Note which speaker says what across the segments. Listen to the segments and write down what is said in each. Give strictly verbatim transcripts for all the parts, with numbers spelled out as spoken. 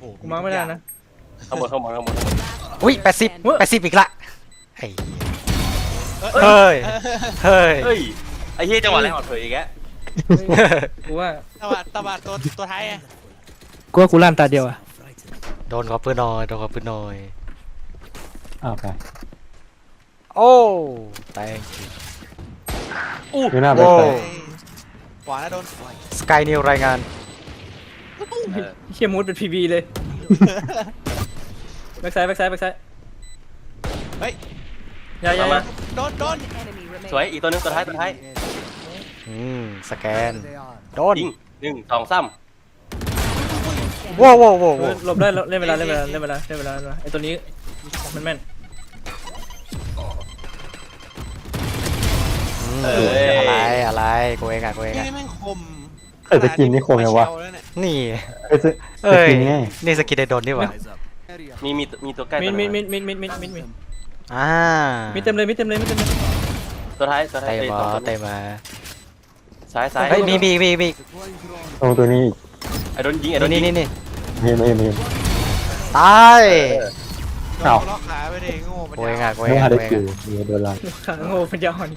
Speaker 1: โห
Speaker 2: กูมาไม่ได้นะ
Speaker 3: ข้างบนข้างบนข้างบนข้างบน
Speaker 4: อุ้ยแปดสิบ
Speaker 2: เว้ย
Speaker 4: แปดสิบอีกละไอ้เฮ้ยเฮ้ย
Speaker 3: เฮ้ยไอ้เหี้ยจังหวะแรงอ่อนเผยอีกแล้ว
Speaker 2: กูว่า
Speaker 1: ตะบัดตะบัดตัวตัวท้ายอะ
Speaker 2: กูว่ากูลั่นตาเดียวอะ
Speaker 4: โดนขอปืนหน่อยโดนขอปืนหน่อย
Speaker 5: อ้าวไป
Speaker 4: โอ้แตง
Speaker 5: อยู่หน้าไป
Speaker 4: โอ้
Speaker 5: ใส่
Speaker 1: ขวาแล้วโดน
Speaker 4: สกายนิวรายงาน
Speaker 3: เออ
Speaker 2: เฮียมูดเป็นพีบีเลยแบ็กไซด์แบ็กไซด์แบ็กไซด์
Speaker 1: เฮ้ย
Speaker 2: อย่าอย่าอย่า
Speaker 1: โดนโดน
Speaker 3: สวยอีกตัวหนึงตัวท้ายตัวท้าย
Speaker 4: อืมสแกนโดน
Speaker 3: ยิงหนึ่งสองสาม
Speaker 4: ว้าวว้าวว้าว
Speaker 2: เออหลบได้เล่นเวลาเล่นเวลาเล่นเวลาเล่นเวลาเล่นเวลาไอตัวนี้มันแม่น
Speaker 4: อืมอะไรอะไรกูเองอะกูเอง
Speaker 1: นี่
Speaker 4: อะ
Speaker 1: แม่งคม
Speaker 5: เอ้ยสกินนี่คมยังวะ
Speaker 1: เชลแล้วเนี่ย
Speaker 4: นี่
Speaker 5: เอ้ยสส
Speaker 4: เอ้ย
Speaker 5: กินไง
Speaker 4: นี่สกินไดโดนนี่หว่า
Speaker 3: มีมีมีตัวใกล้
Speaker 2: มิ
Speaker 3: ตั
Speaker 2: ด
Speaker 3: ว
Speaker 2: มิด
Speaker 3: นึ
Speaker 2: มิ
Speaker 3: ง
Speaker 2: ดมิดมิดมิดมิดมิดมิด
Speaker 4: อ่า
Speaker 2: มิดเต็มเลยมิดเต็มเลยมิดเต็มเลย
Speaker 3: ตัวท้ายตัวท้าย
Speaker 4: เตะ
Speaker 3: อ้ย
Speaker 4: บอ
Speaker 3: ตัว
Speaker 4: เตะมา
Speaker 3: ซ้ายซ้าย
Speaker 4: เฮ้ยมีมีมีมี
Speaker 5: ตรงตัวนี้
Speaker 3: ไอ้โดนยิงไอ้โดนยิ
Speaker 4: นี่
Speaker 3: ง
Speaker 4: นี่นี่
Speaker 5: เห็นไหมเห็นไหมเห็นไหม
Speaker 4: ตาย
Speaker 1: โดน
Speaker 5: อ้าว
Speaker 1: ล็อกขาไปเลยโง่มัน
Speaker 4: กูเอง
Speaker 1: ยา
Speaker 4: อะ
Speaker 1: ว
Speaker 4: กูเอ
Speaker 5: ไม่
Speaker 4: ง
Speaker 5: ทั
Speaker 4: อะ
Speaker 5: นได้
Speaker 4: กูเอง
Speaker 5: คิว
Speaker 4: อะ
Speaker 5: มีโดนลัน
Speaker 2: ขาโง่เป็นยาอ่อน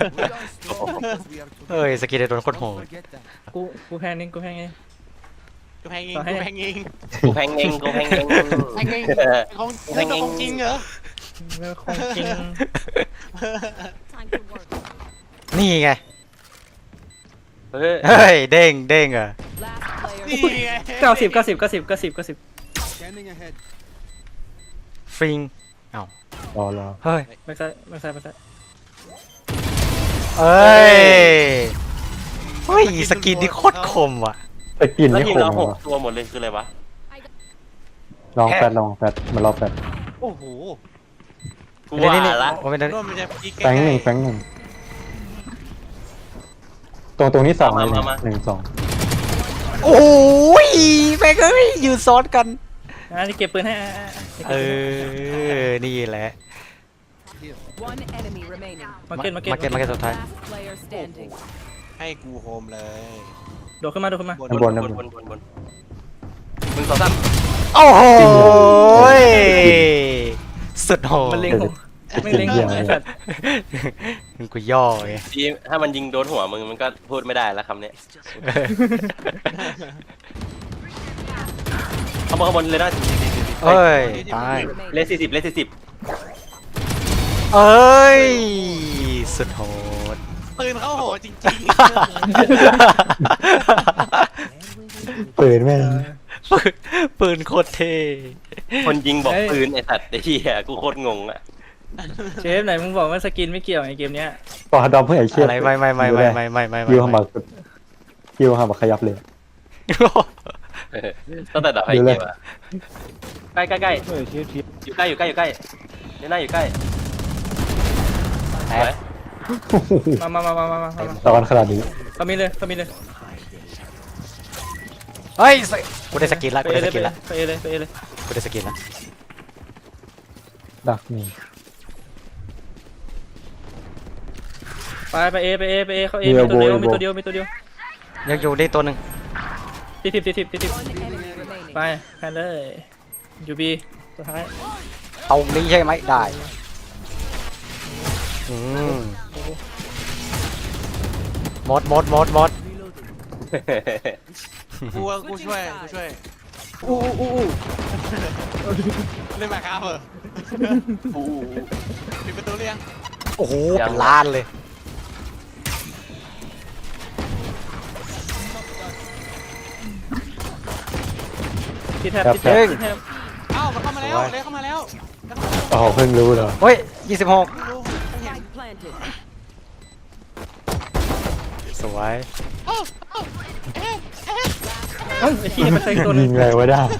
Speaker 4: เฮ้ยสกินไดโดนโคตรโหด
Speaker 2: กูกูแพงนึงกูแพงไง
Speaker 1: กูแพงเอง
Speaker 2: ต่อให้
Speaker 1: กูแพงเอง
Speaker 3: กูแพงเองกูแพงเอง
Speaker 1: แพงเองของ
Speaker 3: แพงเอง
Speaker 1: ของจริงเหรอ
Speaker 2: แล้วของจริง
Speaker 4: นี่ไง
Speaker 3: เฮ้ย
Speaker 4: เฮ้ยเด้งเด้งอะ
Speaker 1: นี่ไง
Speaker 2: เก้าสิบเก้าสิบเก้าสิบเก้าสิบเก้าสิบ
Speaker 4: ฟริง
Speaker 5: รอรอ
Speaker 4: เฮ้ย
Speaker 2: แบ็กไซด์แบ็กไซด์แบ็กไซด์
Speaker 4: เอ้ยเฮ้ยสกินนี่โคตรคมว่ะ
Speaker 5: สกิน
Speaker 3: แล้ว
Speaker 5: นี่
Speaker 3: ทีม
Speaker 5: คม
Speaker 3: เราหก
Speaker 5: วะ
Speaker 3: ตัวหมดเลยคืออะไรวะ
Speaker 5: ลองแฟดลองแฟดมารอแฟด
Speaker 1: โอ้โห
Speaker 3: กู
Speaker 4: นี่
Speaker 3: ว่า
Speaker 4: นี่นี่
Speaker 3: ละ
Speaker 4: โอ้ยนั่น
Speaker 1: โดนมันจะอีก
Speaker 5: แฟงหนึ่งแฟงหนึ่งตรงตรงนี้สองเลยหนึ่งสอง
Speaker 4: โอ้ยแม่งเอ้ยยืนซ้อนกัน
Speaker 2: อ่ะนี่เก็บปืนให้อ่ะอ่ะอ่ะ
Speaker 4: เออ นี่แหละ
Speaker 6: One enemy remaining.
Speaker 2: มาเก็ตมาเก็ต
Speaker 4: มาเก็ตมาเก็ตสุดท้าย
Speaker 6: Last player standing.
Speaker 1: ให้กูโฮมเลย
Speaker 2: โดดขึ้นมาโดดขึ้นมา
Speaker 3: บนบนบนบนบนบนหนึ่งสองสาม
Speaker 4: โอ้โหยสุดโหด
Speaker 2: มันเล็งหัวไม่เล็งหัวไอ้สัตว์
Speaker 4: กูย่อไง
Speaker 3: ทีถ้ามันยิงโดนหัวมึงมันก็พูดไม่ได้แล้วคำเนี้ยข้างบนข้างบนเลยนะ
Speaker 4: เอ้ย ตาย
Speaker 3: เลสสี่สิบเลสสี่สิบ
Speaker 4: เอ้ย สุดโหด
Speaker 1: ปืนเข้าโหจริง
Speaker 5: ปืนแม่ง
Speaker 4: ปืนปืนโคตรเท่
Speaker 3: คนยิงบอกปืนไอ้สัตว์ไอ้เหี้ยกูโคตรงงอ่ะ
Speaker 2: เชฟไหนมึงบอกว่าสกินไม่เกี่ยวไอ้เกมเนี้ย
Speaker 5: ต่อดอมเพื่อไอ้เชี่ย
Speaker 4: อะไรไม่ไม่ไม่ไม่ไม่ไม่ไม่
Speaker 5: คิว
Speaker 4: ไม่
Speaker 5: หำบักคิวหำบักขยับเลย
Speaker 3: ตั้งแต่ดับไฟ
Speaker 5: ดู
Speaker 3: เก
Speaker 5: เลย
Speaker 3: มอ่ะใกล้ใกล้ใกล้
Speaker 5: เฮ้ยเชี่ยเชี่ย
Speaker 3: อยู่ใกล้อยู่ใกล้อยู่ใกล้เดี๋ยวหน้าอยู่ใกล้
Speaker 4: แต
Speaker 3: สวย
Speaker 4: ก
Speaker 2: มามามามามามามา
Speaker 5: ตอนขนาดนี้
Speaker 2: เขามีเลยเขามีเลย
Speaker 4: เฮ้ยสกูได้สกินละ
Speaker 2: ไป
Speaker 4: กู
Speaker 2: เอ
Speaker 4: ได้
Speaker 2: เล
Speaker 4: ส
Speaker 2: ย
Speaker 4: กินละ
Speaker 2: ไปเอเลยไปเอเลย
Speaker 4: กูได้สกินละ
Speaker 5: ดักนี่
Speaker 2: ไปไปเอไปเอไปเอเขาเอมีตัวเดียวมีตัวเดียวมีตัวเดียว
Speaker 4: ยังอยู่ได้ตัวหนึ่ง
Speaker 2: ติดทิปติดทิปติดทิป
Speaker 6: One enemy remaining.
Speaker 2: ไปแพนเลยยูบีสุดท้าย
Speaker 4: ตรงนี้ใช่ไหมได้อืมหมดหมดหมดหมด
Speaker 1: ๆกูกูช่วยกูช่วย
Speaker 2: อู้อู้อู้
Speaker 1: เล่นมาครับเหรอปิดประตูเรียง
Speaker 4: โอ้โหเป็นล้านเลย
Speaker 2: ที่แทบที่แทบที่แทบ
Speaker 1: เอ้ามันเข้ามาแล้วเลยเข้ามาแล้ว
Speaker 5: อ๋อเพิ่งรู้เหรอ
Speaker 4: เฮ้ยยี่สิบหก
Speaker 6: Spike planted.
Speaker 4: สวย
Speaker 2: เอ้าไอ้ที่มันใส่ตัวนึ
Speaker 5: ยิ
Speaker 2: ง
Speaker 5: งไงวะได้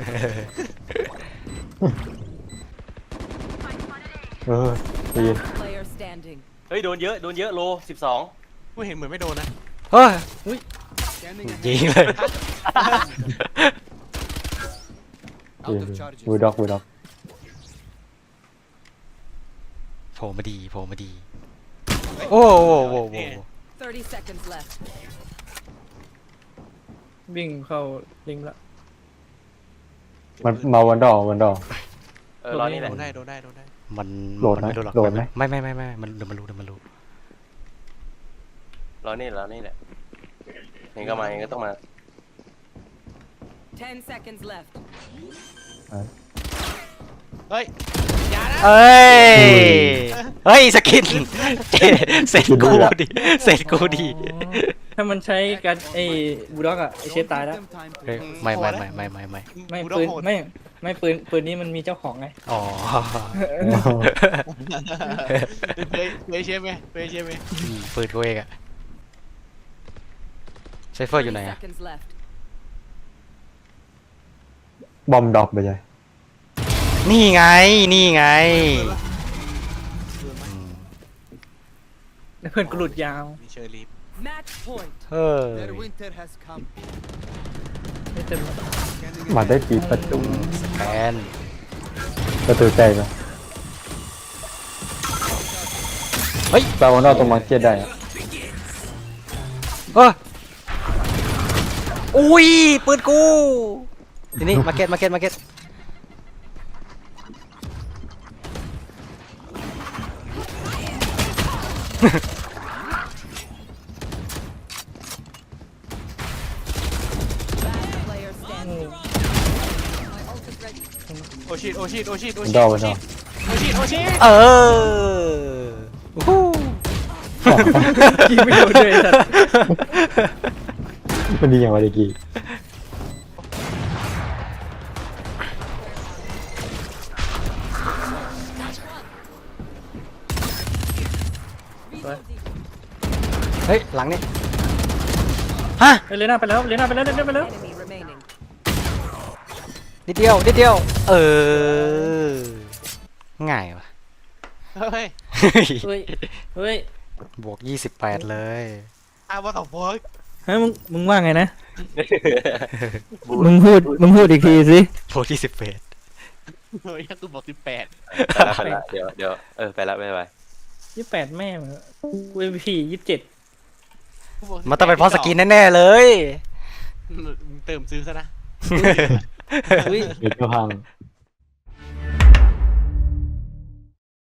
Speaker 5: เออดี
Speaker 6: Last player standing.
Speaker 3: เฮ้ยโดนเยอะโดนเยอะโลสิบสอง
Speaker 1: กูเห็นเหมือนไม่โดนนะ
Speaker 4: เฮ้ยยิงเลย
Speaker 5: บูด็อกบูด็อก
Speaker 4: โผล่มาดีโผล่มาดีโอ้โหโอ้โหโอ้โห
Speaker 6: Thirty seconds left.
Speaker 2: วิ่งเข้าลิงละ
Speaker 5: มันมาวันดอกวันดอก
Speaker 3: เออรอนี่แห
Speaker 1: โด
Speaker 3: ละ
Speaker 1: นได้โดนได้โดนได้
Speaker 4: มัน
Speaker 5: โหลด
Speaker 4: มัน
Speaker 5: ไหม
Speaker 4: ไม่รู้หรอก
Speaker 5: โหลดไหม
Speaker 4: ไม่ไม่ไม่ไม่มันเดี๋ยวมันรู้เดี๋ยวมันรู้
Speaker 3: รอนี่รอนี่แหละเห็นก็มาเองก็ต้องมา
Speaker 6: Ten seconds left.
Speaker 1: เฮ้ยอย่านะ
Speaker 4: เอ้ยเฮ้ยสกินเสร็จกูดิเสร็จกูดิ
Speaker 2: ถ้ามันใช้การไอ้บูลด็อกอะไอ้เชฟตายแล้ว
Speaker 4: เฮ้ยไม่ไม่ไม่ไม่ไม่ไม่
Speaker 2: ไม่
Speaker 1: กูต้อ
Speaker 2: ปื
Speaker 1: ง
Speaker 2: น
Speaker 1: โหด
Speaker 2: ไม่ไม่ปืนปืนนี้มันมีเจ้าของไง
Speaker 4: อ๋อ
Speaker 1: เคยเคยเชฟไหมเคยเชฟไหม
Speaker 4: อืมปืนกูเองอะไซเฟอร์อยู่ไหน
Speaker 6: thirty
Speaker 4: อะ
Speaker 6: seconds left.
Speaker 5: บอมดอกไปเลย
Speaker 4: นี่ไงนี่ไงอืม
Speaker 2: แล้วเพื่อนกูหลุดยาว
Speaker 1: มีเชอร์ลีฟ
Speaker 6: Match point.
Speaker 4: เฮ้ย
Speaker 7: Their winter has come.
Speaker 2: ไม่เต็ม
Speaker 5: มาได้ปีประตู
Speaker 4: สแกน
Speaker 5: ประตูใจปะ
Speaker 4: เฮ้ย
Speaker 5: ตาวันดอกตรงมาร์เก็ตได้อะ
Speaker 4: เอออุ้ยปืนกูทีนี้มาเก็ตมาเก็ตมาเก็ต
Speaker 6: Last player standing.
Speaker 1: โอชิตโอชิตโอชิตโอ
Speaker 5: วัน
Speaker 1: ชิต
Speaker 5: ดอก
Speaker 1: โอ
Speaker 5: วันด
Speaker 1: ชิ
Speaker 5: อ
Speaker 1: ต
Speaker 5: ก
Speaker 1: โอชิตโอชิต
Speaker 4: เอออู้หู
Speaker 2: ยิงไม่โดนเลยสัตว์
Speaker 5: มันดีอย่างไรเมื่อกี้
Speaker 4: เฮ้ยหลังนี่ฮะ
Speaker 2: เอ้ยเลน่าไปแล้วเลน่าไปแล้วเลน่าไปแล้ว
Speaker 6: Enemy remaining.
Speaker 4: นิดเดียวนิดเดียวเออง่ายวะ
Speaker 1: เฮ้ย
Speaker 2: เฮ้ยเฮ้ย
Speaker 4: บวกยี่สิบแปดเลย
Speaker 1: อาว่าต่อฟอย
Speaker 2: เฮ้ยมึงมึงว่าไงนะ
Speaker 3: บู
Speaker 2: มึงพูดมึงพูดอีกทีสิ
Speaker 4: บวกยี่สิบแปด
Speaker 1: เฮ้ยกูบอกสิบแปด
Speaker 3: ไปละไปละเดี๋ยวเดี๋ยวเออไปละบ๊ายบาย
Speaker 2: ยี่แปดแม่มึงกูเอ็มพียี่สิบเจ็ด
Speaker 4: มันต้องเป็นเพราะสกินแน่ๆเลย
Speaker 1: เติมซื้อซะนะ
Speaker 2: อุ้ย
Speaker 5: เด็กก็พัง